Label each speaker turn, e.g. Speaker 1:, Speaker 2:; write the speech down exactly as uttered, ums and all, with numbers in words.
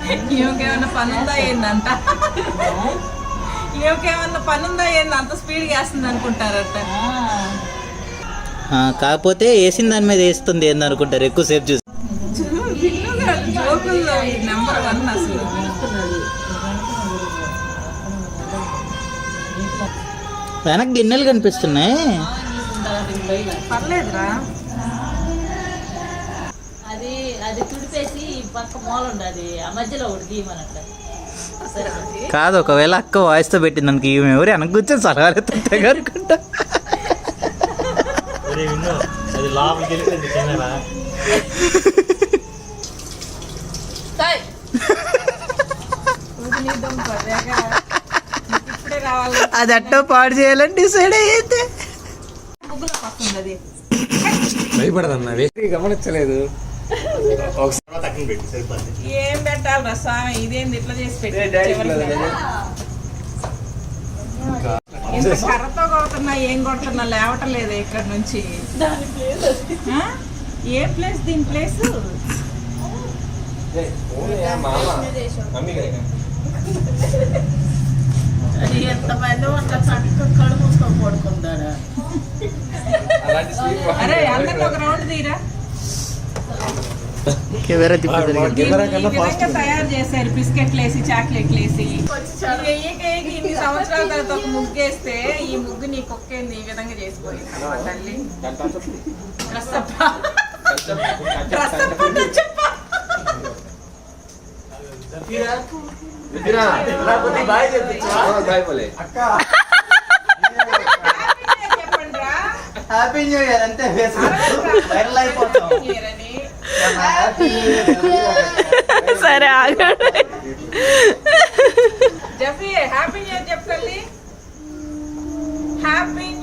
Speaker 1: ఈమెకేమన్నా పని ఉందా ఏందంట, ఈమెకేమన్నా పని ఉందా ఏంది అంత స్పీడ్గా వేస్తుంది అనుకుంటారట.
Speaker 2: కాకపోతే వేసిన దాని మీద వేస్తుంది ఏంది అనుకుంటారు ఎక్కువసేపు చూసి.
Speaker 1: జోకుల్లో నెంబర్ వన్ అసలు.
Speaker 2: వెనక్కి గిన్నెలు కనిపిస్తున్నాయి.
Speaker 1: పర్లేదురా,
Speaker 3: అది అది తుడిపేసి పక్క మూల ఉండదు, ఆ మధ్యలో ఒకటి తీయమనట్ల.
Speaker 2: కాదు, ఒకవేళ అక్క వాయిస్తో పెట్టింది అనుకో, ఈమె ఎవరు వెనక్కి కూర్చొని సలహాలు ఎత్తుంటాయి అనుకుంటా. అది అట్టో పాడు చేయాలని డిసైడ్ అయ్యేది.
Speaker 4: భయపడదన్నా, గమనించలేదు.
Speaker 1: ఏం పెట్టాలి రా స్వామి, ఇదేంది ఇట్లా చేసి పెట్టి కర్రతో కొడుతున్నా, ఏం కొడుతున్నా లేవటం లేదు ఇక్కడ నుంచి. ఏ ప్లేస్ దీని ప్లేస్?
Speaker 3: అది ఎంతమంది అట్లా చక్క కళ్ళు మూసుకొని పడుకుంటాడా.
Speaker 1: అరే అందరిని ఒక రౌండ్ తీరా. తయారు చేశారు బిస్కెట్లు వేసి, చాక్లెట్లు వేసి. ఇన్ని సంవత్సరాల తర్వాత ఒక ముగ్గు వేస్తే ఈ ముగ్గు నీ కుక్కేంది ఈ విధంగా చేసిపోయింది తల్లి.
Speaker 2: హ్యాపీ న్యూ ఇయర్ అంతే, వైరల్ అయిపోతాం.
Speaker 1: సరే ఆగండి. జఫీ హ్యాపీ న్యూ ఇయర్ చెప్పండి. హ్యాపీ